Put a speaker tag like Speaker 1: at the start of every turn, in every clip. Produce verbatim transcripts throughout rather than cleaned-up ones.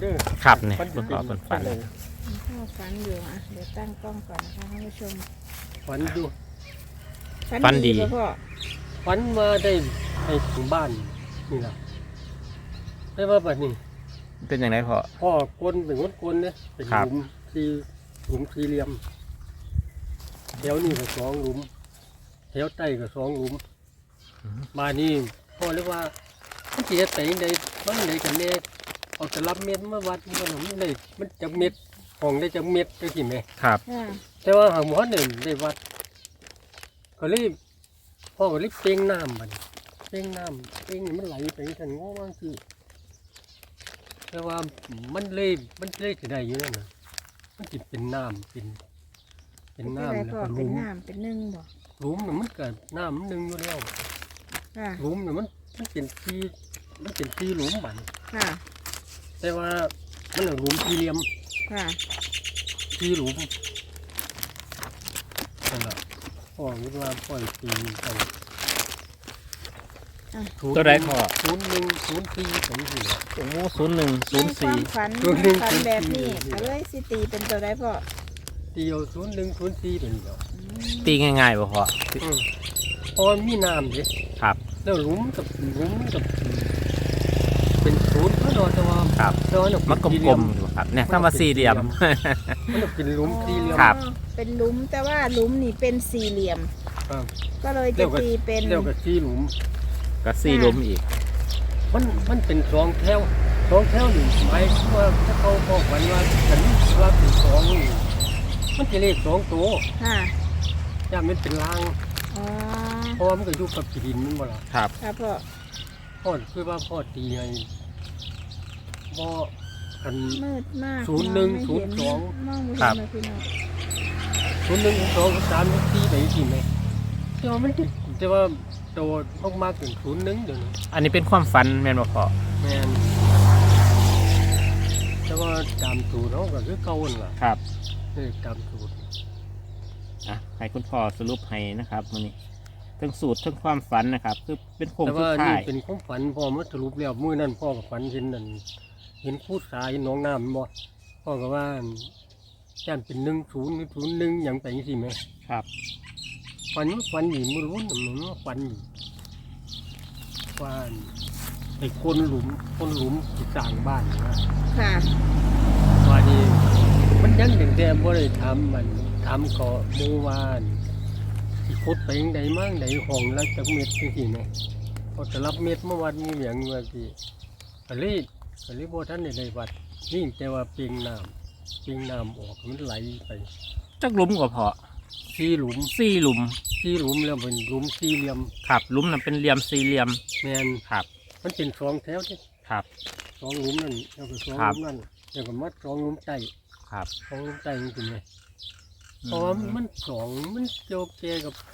Speaker 1: ด้อ
Speaker 2: ครับเนี่ยคุณพ่อเป็นฝัน
Speaker 3: พ่อฝันอยู่อ่ะเดี๋ยวตั้งกล้องก่อนนะคะท่านผู้ชม
Speaker 1: ฝันดู
Speaker 2: ฝันดี
Speaker 3: ป่ะพ่อ
Speaker 1: ฝันมาได้ไปถึงบ้านนี่ล่ะได้ว่าแบบนี้
Speaker 2: เป็นอย่างไรพ่อ
Speaker 1: พ่อกลนเป็นคนกลนเนี่ยเป็นห
Speaker 2: ครับ
Speaker 1: ลุมที่หลุมสี่เหลี่ยมแถวนี้ก็สองหลุมแถวใต้ก็สองหลุมมานี่พ่อเรียกว่ามันเสียแต่ยังไงมันไหนกันแน่เอาจะรับเม็ดมาวัดมันมันเลยมันจะเม็ดห้องได้จะเม็ดได้กี่เม็ด
Speaker 2: ครับ
Speaker 3: ค่ะ
Speaker 1: แต่ว่าหางหมอหนึ่งได้วัดก็รีบพ่อก็รีบเป้งน้ำมันเป้งน้ำเป้งนี่มันไหลไปทันง้อว่างคือแต่ว่ามันเลยมันเลยจะได้อยู่นั่นนะมันจิเป็นน้ำเป็นเป็น
Speaker 3: เป็น
Speaker 1: น้ำ
Speaker 3: อะไร
Speaker 1: แล้ว
Speaker 3: พ่อ
Speaker 1: ก็ห
Speaker 3: เป็
Speaker 1: ลุ
Speaker 3: น
Speaker 1: ม
Speaker 3: น้ำเป็นนึ่งบ่
Speaker 1: หลุมน่ะมันเกิดน้ำมันหนึ่งอยู่แล้ว
Speaker 3: ค่ะ
Speaker 1: หลุมเนี่ยมันมันเป็นที่มันเป็นที่หลุมมัน
Speaker 3: ค่ะ
Speaker 1: แต่ว่ามันเอาหลุมสี่เหลี่ยม
Speaker 3: ค่ะ
Speaker 1: ที่หลุมนั่นแหละพ่อคิดว่าพ่อจะตีเอา
Speaker 2: ตัวใดพ่อ
Speaker 1: ศูนย์หนึ่งศูนย์สี่สองสี่
Speaker 2: โอ้ศูนย์หนึ่งศูนย์
Speaker 3: ในค
Speaker 2: สี่
Speaker 3: วามฝัน
Speaker 1: ศูนย์หนึ่ง
Speaker 3: ฝันแบบนี้
Speaker 1: ศูนย์สี่
Speaker 3: ก็เลยสิตีเป็นตัวใดพ่อ
Speaker 1: เดียวศูนย์หนึ่งศูนย์สี่เป็นเดียว
Speaker 3: อืม
Speaker 2: ตีง่ายๆป่ะพ่อ
Speaker 1: อืมเพราะมันมีน้ำดิ
Speaker 2: ครับ
Speaker 1: แล้วหลุมกับหลุมกับเป็นศูนย์ก็โดนแต่ว่า
Speaker 2: ครับ
Speaker 1: แต่ว่าเย
Speaker 2: มันกลมๆอยู่ครับเนี่ยถ้ามาสี่เหลี่ยม
Speaker 1: มันจะเป็นหลุมสี่เหลี่ยม
Speaker 2: ครับ
Speaker 3: อ๋อเป็นหลุมแต่ว่าหลุมนี่เป็นสี่เหลี่ยม
Speaker 1: ครับ
Speaker 3: ก็เลย
Speaker 1: เรี
Speaker 3: จะ
Speaker 1: ยกว่า
Speaker 3: ตีเป็น
Speaker 1: เรียกว่าสี่หลุม
Speaker 2: ก็สี่หลุมอีก
Speaker 1: มันมันเป็นสองแถวสองแถวหนึ่งหมายความว่าถ้าเขาบอกวันว่าฉันว่าเป็นสองนี่มันจะเลขสองตัว
Speaker 3: ค่ะ
Speaker 1: ย่ามันเป็นลาง
Speaker 3: อ๋อ
Speaker 1: เพราะว่ามันก็อยู่กับดินมันบ่ล่ะ
Speaker 2: ครับ
Speaker 3: ค่ะพ่อ
Speaker 1: พ่อคือว่าพ่อตีไงพ่อกัน
Speaker 3: มืดมาก
Speaker 1: ศูนย์หนึ่ง
Speaker 3: มไม่
Speaker 1: ศูนย์สอง
Speaker 3: มองไม่
Speaker 2: ครั
Speaker 3: เห็น
Speaker 2: บ
Speaker 3: เลยพี่น้อง
Speaker 1: ศูนย์หนึ่งศูนย์สองศูนย์สามศูนย์สี่ไปกี่ไหมแต่ว่ามันติดแต่ว่าโตมากมากถึงศูนย์หนึ่งเดี๋ยวนี้
Speaker 2: อันนี้เป็นความฝันแม่นบ่พ่อ
Speaker 1: แมนแต่ว่าตามสูตรเขาก็คือเก่าหั่นล่ะ
Speaker 2: ครับ
Speaker 1: นี่ตามสูตร
Speaker 2: อ่ะให้คุณพ่อสรุปให้นะครับมันนี้ทั้งสูตรทั้งความฝันนะครับคือเป็นโครง
Speaker 1: แต่
Speaker 2: สุด
Speaker 1: ว่า
Speaker 2: ท้า
Speaker 1: นี่
Speaker 2: ย
Speaker 1: เป็นความฝันพ่อมาสรุปแล้วมื้อนั้นพ่อกับฝันเห็นนั่นเห็นพูดสายเห็นหน้องน้ำแม่นบ่พ่อก็ว่าย่านเป็นหนึ่งศูนย์หรือศูนย์หนึ่งอย่างไปสิไหม
Speaker 2: ครับ
Speaker 1: ฝันฝันอยู่มือรุ่นหนึ่งว่าฝันอยู่ว่าไอ้คนหลุมคนหลุมที่สร้างบ้านนะ
Speaker 3: ค่ะ
Speaker 1: ว่านี่มันยังถึงแต่บ่ได้ทำมันทำก็หมู่บ้านที่ขุดไปยังใดมั่งใดห้องละจักเม็ดจังซี่แหมพอจะรับเม็ดเมื่อวันมีเหลียงว่าสิก็เลยก็เลยบ่ทันได้ได้วัดนี่แต่ว่าเปียงน้ำเปียงน้ำออกมันไหลไป
Speaker 2: จักหลุมก็พอ
Speaker 1: สี่หลุม
Speaker 2: สี่หลุม
Speaker 1: สี่หลุมแล้วเป็นหลุมสี่เหลี่ยม
Speaker 2: ครับหลุมนั้นเป็นเหลี่ยมสี่เหลี่ยม
Speaker 1: แม่น
Speaker 2: ครับ
Speaker 1: มันเป็นสองแถวที่
Speaker 2: ครับ
Speaker 1: สองหลุมนั่นแล้วก็สอง
Speaker 2: ครั
Speaker 1: ห
Speaker 2: บ
Speaker 1: ลุมนั่นแล้วก็มัดสองหลุมใต้
Speaker 2: ครับ
Speaker 1: สองหลุมใต้จริงๆเลยเพราะว่ามันสองมันเกี่ยวเกยกับ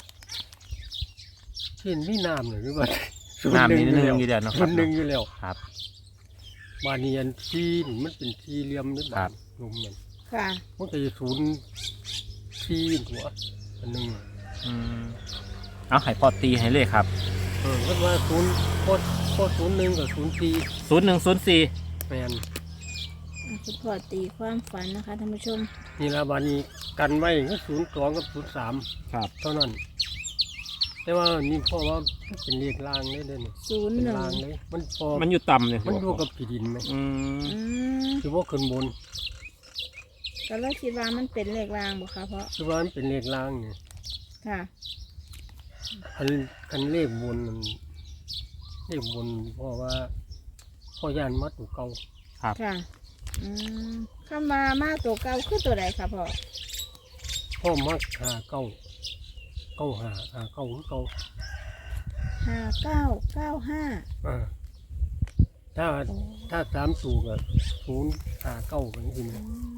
Speaker 1: เช่นมีน้ำหรือว่า
Speaker 2: น้ำนิดนึง
Speaker 1: แล้ว
Speaker 2: อยู่เดียวเนาะค
Speaker 1: ส่
Speaker 2: รั
Speaker 1: ว
Speaker 2: บ
Speaker 1: นหนึ่งอยู่แล้ว
Speaker 2: ครับ
Speaker 1: บาเนียนที่นี่มันเป็นที่เหลี่ยมนิด
Speaker 2: ครับ
Speaker 1: หลุมมัน
Speaker 3: ค่ะ
Speaker 1: มันก็จะศูนย์ที่หัวอันหนึ่ง
Speaker 2: อืมเอาให้พ่อตีให้เลยครับ
Speaker 1: เออก็ว่าศูนย์โคตรโคตรศูนย์หนึ่งกับศูนย์สี่
Speaker 2: ศูนย์หนึ่งศูนย์สี่
Speaker 1: แมน
Speaker 3: อ่ะคุณพ่อตีความฝันนะคะท่านผู้ชม
Speaker 1: นี่ละบานี้กันไว้ก็ศูนย์สองกับศูนย์สาม
Speaker 2: ครับ
Speaker 1: เท่านั้น แต่ว่านี่พ่อว่ามันเป็นเรียกลางเลยเด้อนี่
Speaker 3: ศูนย์
Speaker 1: เป็น
Speaker 3: หนึ่ง
Speaker 1: ลางเลย มันพอ
Speaker 2: มันอยู่ต่ำเลย
Speaker 1: มันอยู่กับผีดินไหม
Speaker 2: อืม
Speaker 3: อืม
Speaker 1: คือว่าขึ้นบน
Speaker 3: ก็เลยคิดว่ามันเป็นเลขรางบ่คะเพราะ
Speaker 1: คือว่ามันเป็นเรียกลางไง
Speaker 3: ค่ะ
Speaker 1: คันคันเลขบนมันเลขบนเพราะว่าพ่อยานมัดอยู่เก่า
Speaker 2: ครับ
Speaker 3: ค่ะ อืมเข้ามามาตัวเก่าคือตัวใดคะพ่อ
Speaker 1: พ่อมักหาเก้าเก้าหาหาเก้าคือเก้า
Speaker 3: ห้าเก้าเก้าห้า
Speaker 1: อ่าถ้าถ้าสามสูก็ศูนย์หาเก้าเป็นจริง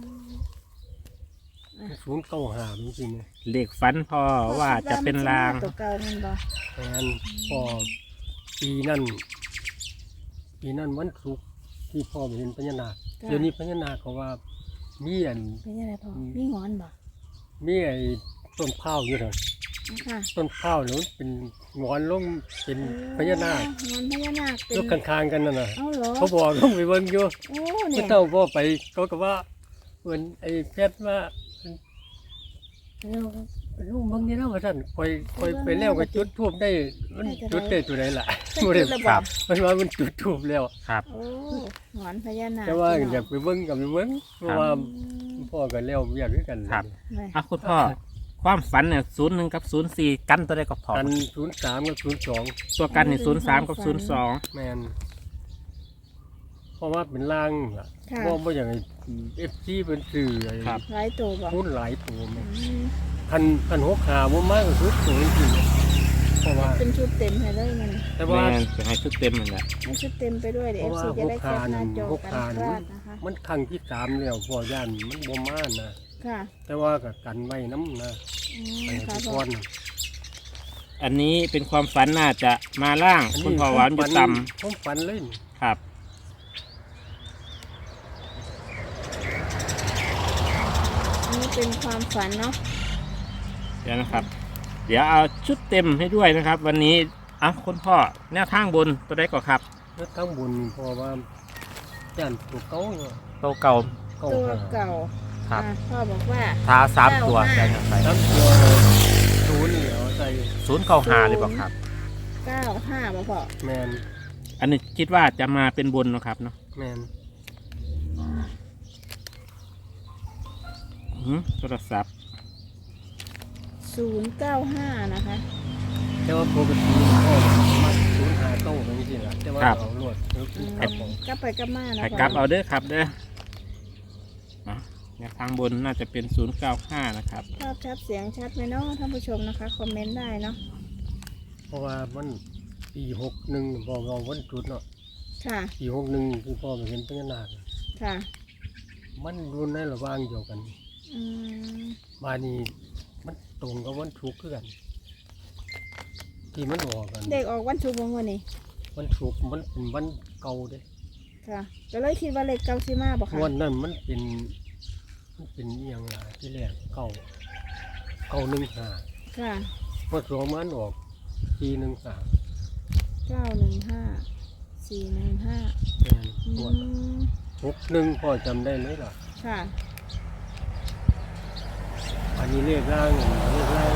Speaker 1: ศูนย์เก้าหาเป็นจริง
Speaker 2: เลขฝันพ่อว่าจะเป็นราง
Speaker 3: ตัวเก่ามันบ่
Speaker 1: แต่งั้นพอปีนั่นปีนั่นวันศุกร์ที่พ่อไปเห็นพญานาคเดี๋ยวนี้พญานาคเขาว่ามีอัน
Speaker 3: เป็นยังไงพ่อมีงอนบ่
Speaker 1: มีไอ้ต้นข้าวอยู่เถอะ
Speaker 3: ค่ะ
Speaker 1: ต้นข้าวหรือเป็นงอนลงเป็นพญานาค
Speaker 3: โอ้งอนพญานาคเป็น
Speaker 1: ยกข้างๆกันนั่นน่ะ
Speaker 3: เอาเหรอ
Speaker 1: เขาบอกลงไปเบิ่งอยู่
Speaker 3: โอ้
Speaker 1: เมื่
Speaker 3: เนี่
Speaker 1: อย เจ้าพ่อไปเขาก็ว่าเหมือนไอ้เพชรว่าลูกเบิ่งนี่แล้วว่าท่านคอยคอยไปแล้วก็จุดทูบได้มันจุดได้ตัวไหนล่ะ
Speaker 3: เป็น
Speaker 1: บ่ได้
Speaker 3: จุดระ
Speaker 2: ครับ
Speaker 1: มันว่ามันจุดทูบแล้ว
Speaker 2: ครับ
Speaker 3: โอ้งอนพญานาค
Speaker 1: แต่ว่า
Speaker 3: พี่น้ง
Speaker 1: อยากไปเบิ่งก็ไปเบิ่งเพราะ
Speaker 2: ครับ
Speaker 1: ว่า
Speaker 3: อืม
Speaker 1: พ่อก็แล้วอยากด้วยกัน
Speaker 2: ครับ
Speaker 3: ไม่
Speaker 2: อ่ะคุณพ่อความฝันเนี่ยศูนย์หนึ่งกับศูนย์สี่กันตัวใดก็พอ
Speaker 1: กันศูนย์สามกับศูนย์สอง
Speaker 2: ตัวกันเนี่ยศูนย์สามกับศูนย์สอง
Speaker 1: แมนเพราะว่าเป็นล่างล่ะ
Speaker 3: ค่ะ
Speaker 1: บ่บ่อย่างไอ้เอฟซีเป็นสื่อไอ้
Speaker 2: ครับ
Speaker 3: หลายตัวบ่
Speaker 1: พูดหลายตัวแม่
Speaker 3: อืม
Speaker 1: พันพันหกขาบ่มากก็คือสูงจริงเพราะว่า
Speaker 3: เป็นชุดเต็มให้เลยมัน
Speaker 1: แต่
Speaker 2: แม่
Speaker 1: ว่า
Speaker 2: นจะให้ชุดเต็มมันแหละ
Speaker 3: ให้ชุดเต็มไปด้วยเดี๋ยว
Speaker 1: เพ
Speaker 3: เอ
Speaker 1: ราะ
Speaker 3: ฟ
Speaker 1: ว่า
Speaker 3: ซีจะได้แคปหน้าจอ
Speaker 1: หก
Speaker 3: กัน
Speaker 1: ขา
Speaker 3: พ
Speaker 1: นี่
Speaker 3: ลาดนะคะ
Speaker 1: มันครั้งที่สามแล้วพ่อย่านมันบ่มานะ
Speaker 3: ค่ะ
Speaker 1: แต่ว่าก็กันไว้น้ำนะ
Speaker 3: อืม
Speaker 1: ไป
Speaker 3: ค่ะ
Speaker 1: ทุก
Speaker 3: พ่อ
Speaker 1: คน
Speaker 2: อันนี้เป็นความฝันน่าจะมาล่าง คุณพ่อหวานอยู่ต่
Speaker 1: ผมฝันเลย
Speaker 2: ำครับ
Speaker 3: อันนี้เป็นความฝันเนาะ
Speaker 2: เดี๋ยวนะครับ เดี๋ยวเอาชุดเต็มให้ด้วยนะครับ วันนี้อ่ะคุณพ่อแนวทางบนตัวใดก็ครับ
Speaker 1: แล้วทั้งบุญเพราะว่าย่านตัวเก่าเนาะ
Speaker 2: ตัวเก่า
Speaker 1: เก่า
Speaker 3: ตัว
Speaker 1: หา
Speaker 3: เก่า
Speaker 2: ครับ
Speaker 3: อ่ะพ่อบอกว่า
Speaker 2: ท้าสามตัว
Speaker 3: เก้าห้า
Speaker 2: ใช่ครับไป
Speaker 1: ทั้งตัวศูนย์นี่เอาใส่
Speaker 2: ศูนย์เก้าหาเลยบอกครับ
Speaker 3: เก้าห้าบ่พ่อ
Speaker 1: แมน
Speaker 2: อันนี้คิดว่าจะมาเป็นบนเนอะครับเนาะ
Speaker 1: แมน
Speaker 2: หืมโทรศัพท์
Speaker 3: ศูนย์เก้าห้านะคะ
Speaker 1: แต่ว่าปกติพ่อมาศูนย์หาเก้าเป็นจริงๆล่ะแต่ว่าเอาลวดแล้ว
Speaker 3: อืม
Speaker 1: ครับผม
Speaker 3: กลับไปกลับมานะ
Speaker 2: ให้
Speaker 3: พ่อก
Speaker 2: ลับเอาเด้อครับเด้ออ่ะแนวทางบนน่าจะเป็นศูนย์เก้าห้านะครับ
Speaker 3: ภาพชัดเสียงชัดไหมเนาะท่านผู้ชมนะคะคอมเมนต์ได้เนาะ
Speaker 1: เพราะว่ามันปีหกหนึ่งพ่อเราวันจุดเนาะ
Speaker 3: ค่ะ
Speaker 1: ปีหกหนึ่งคือพ่อไปเห็นพญานาค
Speaker 3: ค่ะ
Speaker 1: มันรุนในระหว่างเดียวกัน
Speaker 3: อืม
Speaker 1: มานี่มันตรงกับวันทุกข์คือกัน ที่มันออกกัน
Speaker 3: เด็กออกวันชุกร์วันนี้
Speaker 1: วันทุกข์มันเป็นวันเก่าเด้
Speaker 3: ค่ะก็เลยคิดว่าเลขเก้าสิมาบ่ค่ะ
Speaker 1: วันนั้นมันเป็นมันเป็นอหย่างไรที่แรกเก่าเก่าหนึ่งหา
Speaker 3: ค่ะ
Speaker 1: พอสองมันออกปีหนึ่งสาม
Speaker 3: เก้าหนึ่งห้าสี่หนึ่งห้า
Speaker 1: แม่น
Speaker 3: อื
Speaker 1: งวด
Speaker 3: ม
Speaker 1: หกหนึ่งพ่อจำได้เลยล่ะ
Speaker 3: ค่ะ
Speaker 1: อันนี้เลขร่างเลขร่าง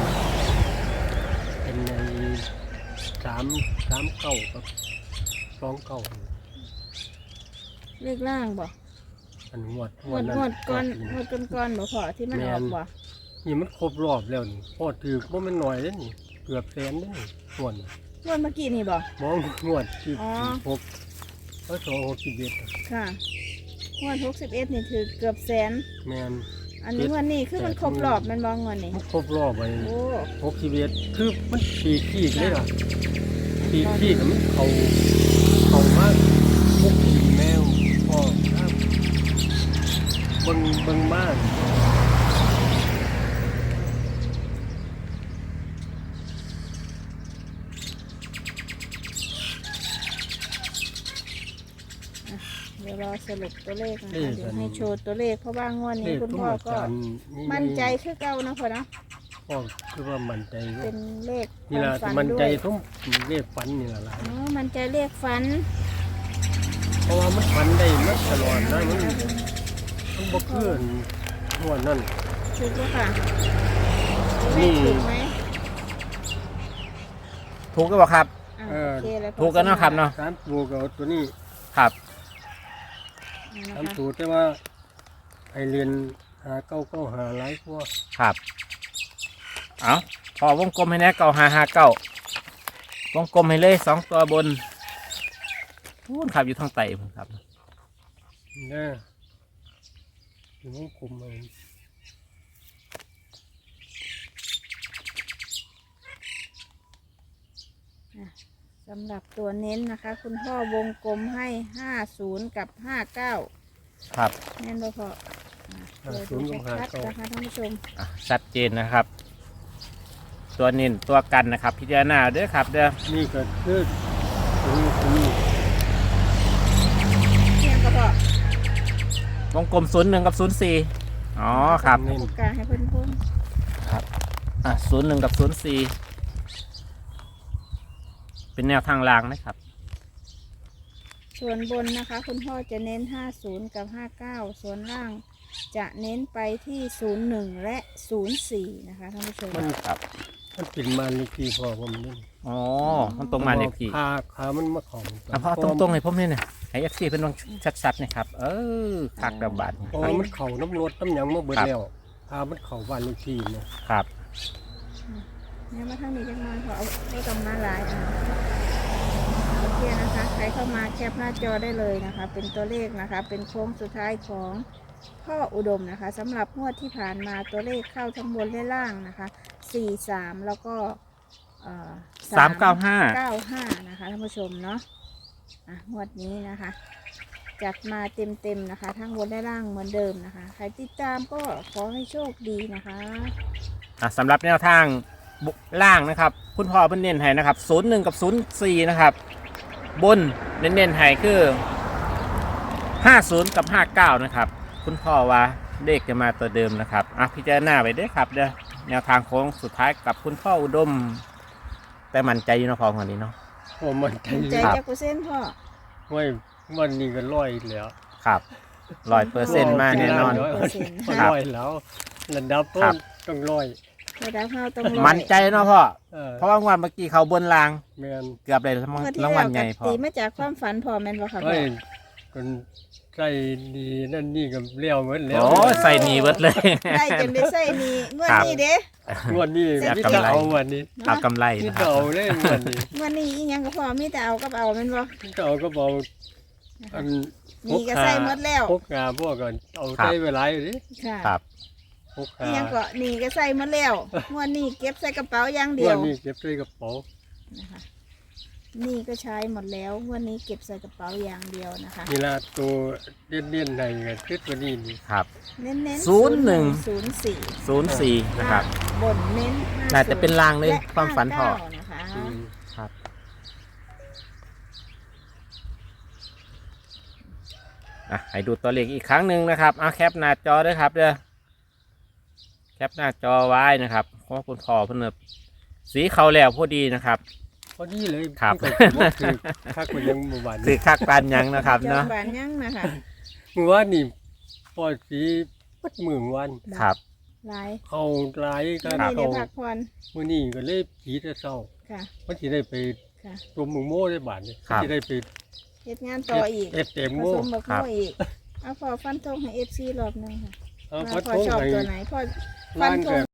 Speaker 1: เป็นในสามสามเก้ากับสองเก้า
Speaker 3: เลขล่างบ่
Speaker 1: อันงวด
Speaker 3: งวด
Speaker 1: นั้น
Speaker 3: งวดก่อน
Speaker 1: ปี
Speaker 3: งวดก่อนก่อนบ่พอที่มันออกบ่
Speaker 1: นี่มันครบรอบแล้วนี่พ่อถือว่ามันหน่อยแล้วนี่เกือบแสนแล้วนี่ส่วน
Speaker 3: งวดเมื่อกี้นี่บ่
Speaker 1: มองงวดที่
Speaker 3: อ๋อ
Speaker 1: หกก็สองหกสิบเอ็ด
Speaker 3: ค่ะงวดหกสิบเอ็ดนี่ถือเกือบแสน
Speaker 1: แมน
Speaker 3: อันนี้งวดนี้คือมันครบรอบแมันบ่งวดนี้
Speaker 1: มันครบรอบไป
Speaker 3: โอ้
Speaker 1: หกสิบเอ็ดคือมันปีขี้เลยล่ะปีขี้กับมันเขาเขามากมุกขี่แมวพ่อครับเบิ่งเบิ่งมาก
Speaker 3: เดี๋ยวรอสรุปตัวเลขนะคะเดี๋ยวให้โชว์ตัวเลขเพราะว่างวด
Speaker 1: เล
Speaker 3: นี้
Speaker 1: ข
Speaker 3: คุณ
Speaker 1: ทุก
Speaker 3: พ่อ
Speaker 1: อา
Speaker 3: ก็
Speaker 1: จารย์นี่
Speaker 3: มั่นใจคือเก่านะพ่อเนาะ
Speaker 1: พ่อคือว่ามั่นใจอยู่
Speaker 3: เป็นเลขค
Speaker 1: นี่
Speaker 3: วา
Speaker 1: ล่ะ
Speaker 3: มฝัน
Speaker 1: มั่น
Speaker 3: ด้
Speaker 1: ใจ
Speaker 3: วย
Speaker 1: ทุ่มเลขฝันนี่ล่ะล่ะ
Speaker 3: อ๋อมั่นใจเลขฝัน
Speaker 1: เพราะว่ามันฝันได้มาตลอดนะมันมันบ่เคลื่อนงวดนั่น
Speaker 3: ถูกปะค่ะ
Speaker 1: นี่
Speaker 3: เลขถูกไหม
Speaker 2: ถูกก็บอกครับ
Speaker 3: อ่ะ
Speaker 1: เออ
Speaker 3: โอเคเลยพ่อ
Speaker 2: ถูกกันเนาะครับเนาะ
Speaker 1: สามตัวกับตัวนี้
Speaker 2: ครับ
Speaker 3: อ่ะ
Speaker 1: สาม
Speaker 3: นะคะ
Speaker 1: ตัวแต่ว่าไอเรียนหาเก้าเก้าหาหลายกว่า
Speaker 2: ครับ เอาพอวงกลมให้แน่เก้าห้าห้าเก้าวงกลมให้เลยสองตัวบนพูนครับอยู่ทางไต่ผมครับ
Speaker 1: นะอยู่วงกลมเลย
Speaker 3: สำหรับตัวเน้นนะคะ คุณพ่อวงกลมให้ห้าศูนย์กับห้าเก้า
Speaker 2: ครับ
Speaker 3: แน่นบ่พออ่ะเดี๋ยวดูชัดๆนะคะท่านผู้ชม
Speaker 2: อ่ะชัดเจนนะครับ ตัวนินตัวกันนะครับ พิจารณาเด้อครับเด้อ
Speaker 1: นี่ก็คือตรงนี้ตรงนี้
Speaker 3: เพียงก็พอ
Speaker 2: วงกลมศูนย์หนึ่งกับศูนย์สี่อ๋อครับ
Speaker 1: เน้น
Speaker 3: ปากกาให้เพิ่นพุ่น
Speaker 2: ครับอ่ะศูนย์หนึ่งกับศูนย์สี่เป็นแนวทางรางนะครับ
Speaker 3: ส่วนบนนะคะ คุณพ่อจะเน้นห้าศูนย์กับห้าเก้าส่วนล่างจะเน้นไปที่ศูนย์หนึ่งและศูนย์สี่นะคะท่านผู้ชม
Speaker 1: มัน
Speaker 2: ครับ
Speaker 1: มันเป็นมาเลขที่พ่อผมนี่
Speaker 2: อ๋อมันตรงมาเลขที่
Speaker 1: ขาขามันมาของ
Speaker 2: อ่ะพ่อตรงตรงๆให้ผมนี่นะให้เอฟซีเป็นลองชัดๆนะครับ เออคักระบาด
Speaker 1: เพราะว่ามันเข่าน้ำรถน้ำหยังมาเบิดแล้วขามันเข่าบ้านเลขที่เนี่ย
Speaker 2: ครับ
Speaker 3: เนี่ยมาทางนี้จังมาขอเอาไม่ต้องมาหลายอ่ะโอเคนะคะ ใครเข้ามาแคปหน้าจอได้เลยนะคะ เป็นตัวเลขนะคะ เป็นโค้งสุดท้ายของพ่ออุดมนะคะสำหรับงวดที่ผ่านมาตัวเลขเข้าทั้งบนและล่างนะคะสี่สามแล้วก็เอ่อ
Speaker 2: สามเก้าห้า
Speaker 3: เก้าห้านะคะท่านผู้ชมเนาะอ่ะงวดนี้นะคะ จัดมาเต็มๆนะคะ ทั้งบนและล่างเหมือนเดิมนะคะ ใครติดตามก็ขอให้โชคดีนะคะ
Speaker 2: อ่ะสำหรับแนวทางบุล่างนะครับ คุณพ่อเพิ่นเน้นให้นะครับศูนย์หนึ่งกับศูนย์สี่นะครับ บนเน้นๆให้คือห้าศูนย์กับห้าเก้านะครับ คุณพ่อว่าเลขจะมาตัวเดิมนะครับอ่ะพิจารณาไปด้วยครับเด้อแนวทางโค้งสุดท้ายกับคุณพ่ออุดม แต่มั่นใจอยู่เนาะพอคนนี้เนาะ
Speaker 1: โอ้มันใจ
Speaker 3: ใจ
Speaker 2: ครับ
Speaker 3: จักเปอร์เซ็นต์พ่อ
Speaker 1: ไว้วันนี้ก็ร้อยแล้ว
Speaker 2: ครับร้อยเปอร์เซ็นต์มาแน่นอน
Speaker 1: ร้อย
Speaker 2: ครับ
Speaker 1: ร้อยแล้วระดับต้
Speaker 2: ครั
Speaker 1: น
Speaker 2: บ
Speaker 1: ต้องร้อย
Speaker 3: ระดับเฮาต้องร้อย
Speaker 2: มั่นใจเนาะพ่อ
Speaker 1: เออ
Speaker 2: เพราะว่างวันเมื่อกี้เขาบนราง
Speaker 1: แมน
Speaker 2: เกือบเลยราง
Speaker 3: เมื่อที่
Speaker 2: ราง
Speaker 3: แล้
Speaker 2: วั
Speaker 3: ว
Speaker 2: ลใหญ่
Speaker 3: กับ
Speaker 2: พอ
Speaker 3: ตีมาจากความฝันพ่อแม่นบ่ค่ะพ่
Speaker 1: เฮ้
Speaker 3: อย
Speaker 1: คนใจดีนั่นนี่ก็เลี้ยวเหมือนแล้ว
Speaker 2: โอ้ยใส่หนีเบิดเลย
Speaker 3: ได้จนได้ใส่นี่งวด
Speaker 2: ครับ
Speaker 3: นี้เด้
Speaker 1: งวดนี้
Speaker 2: อยาก
Speaker 1: มี
Speaker 2: กำ
Speaker 1: แต่
Speaker 2: ไร
Speaker 1: เอาวันนี้
Speaker 2: เอากำไร
Speaker 1: มี
Speaker 2: นะค
Speaker 1: แต่
Speaker 2: รับ
Speaker 1: เอาเลยงวดนี้
Speaker 3: งวดนี้อีหยังก็พ่อมีแต่เอากับเอาแม่นบ่
Speaker 1: มีแต่เอาก็บอกอัน
Speaker 3: นี่ก็ใส่หมดแล้ว
Speaker 1: พกงาพวกกันเอา
Speaker 2: ครับ
Speaker 1: ใส่เวลาอยู่ดิ
Speaker 3: ค่ะ
Speaker 2: ครับ
Speaker 1: พก
Speaker 3: อี
Speaker 1: งา
Speaker 3: หยังก็นี่ก็ใส่หมดแล้วงวดนี้เก็บใส่กระเป๋าอย่างเดี
Speaker 1: ง
Speaker 3: ยว ว
Speaker 1: ดนี้เก็บใส่กระเป๋า
Speaker 3: นะคะนี่ก็ใช้หมดแล้วงวดนี้เก็บใส่กระเป๋าอย่างเดียวนะคะ
Speaker 1: นี่ละตัวเลี่ยนเลี่ยนๆในก็คิดว่านี่นี่
Speaker 2: ครับ
Speaker 3: เน้นเน้น
Speaker 2: ศูนย์หนึ่ง
Speaker 3: ศูนย์สี่
Speaker 2: ศูนย์สี่นะครับ
Speaker 3: บนเน้นห้
Speaker 2: น่าจะเป็นลางเลย
Speaker 3: และ
Speaker 2: ความฝันพ่อ
Speaker 3: ห้าเก้านะคะ
Speaker 1: อืม
Speaker 2: ครับอ่ะให้ดูตัวเลขอีกครั้งหนึ่งนะครับเอาแคปหน้าจอด้วยครับเด้อแคปหน้าจอไว้นะครับเพราะว่าคุณพ่อเพิ่นนะสีเขาแล้วพอดีนะครับ
Speaker 1: พอดีเลย
Speaker 2: ครับ
Speaker 1: มันก็บ่คือคักมันยังบ่หวาน
Speaker 2: คือคักปานหยังนะครับ
Speaker 3: จอ
Speaker 2: เนาะ
Speaker 3: มบานยังนะคะ
Speaker 1: เมื่อวานนี่ปล่อยสีปัดมือวัน
Speaker 2: ครับ
Speaker 3: หลาย
Speaker 1: เขาหลายกั
Speaker 3: วัน
Speaker 1: น
Speaker 3: นี้
Speaker 1: เขา
Speaker 3: ได้พักผ่อน
Speaker 1: มื้อนี้ก็เลยผีแต่เช้า
Speaker 3: ค่ะ
Speaker 1: มันสิได้ไป
Speaker 3: ค่ะ
Speaker 1: ตัวหมูโม่ได้บาดนี่
Speaker 2: ครับ
Speaker 1: สิได้ไป
Speaker 3: เฮ็ดงานต่ออีก
Speaker 1: เอฟเต็ม
Speaker 3: ผ
Speaker 1: โม่
Speaker 3: สมบัก
Speaker 2: ครั
Speaker 3: โม่
Speaker 2: บ
Speaker 3: อีกเอาพอฟันธงให้เอฟซีรอบหนึงค่ะ
Speaker 1: เอา
Speaker 3: ว่า
Speaker 1: พัด
Speaker 3: พอ
Speaker 1: โค้ง
Speaker 3: ชอบ
Speaker 1: ให้
Speaker 3: ตัวไหนพอฟั
Speaker 1: ร้าน น
Speaker 3: ธ
Speaker 1: ก็
Speaker 3: ง